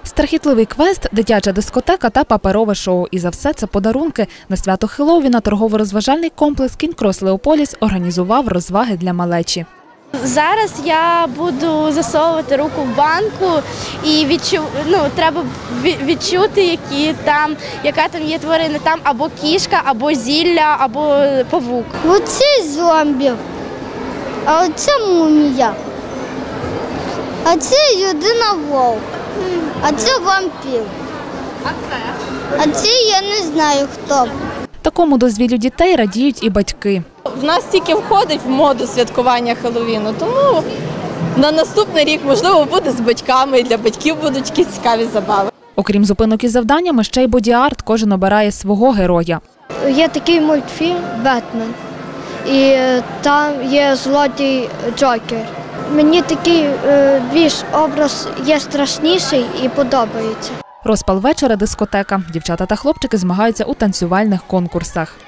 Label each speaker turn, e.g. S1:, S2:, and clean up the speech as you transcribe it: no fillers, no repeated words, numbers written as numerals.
S1: Страхітливий квест, дитяча дискотека та паперове шоу. І за все це подарунки. На свято Хеллоуіна торгово-розважальний комплекс «Кінг-Крос Леополіс» організував розваги для малечі.
S2: Зараз я буду засовувати руку в банку і треба відчути, яка там є тварина. Там або кішка, або зілля, або павук.
S3: Оце зомбі, а оце мумія, а це людина-вовк, а це вампір. А це я не знаю хто.
S1: Такому дозвіллю дітей радіють і батьки.
S4: В нас тільки входить в моду святкування Хеллоуіну, тому на наступний рік, можливо, буде з батьками, і для батьків будуть якісь цікаві забави.
S1: Окрім зупинок із завданнями, ще й боді-арт, кожен обирає свого героя.
S3: Є такий мультфільм «Бетмен» і там є злодій Джокер. Мені такий більш образ є страшніший і подобається.
S1: Розпал вечора – дискотека. Дівчата та хлопчики змагаються у танцювальних конкурсах.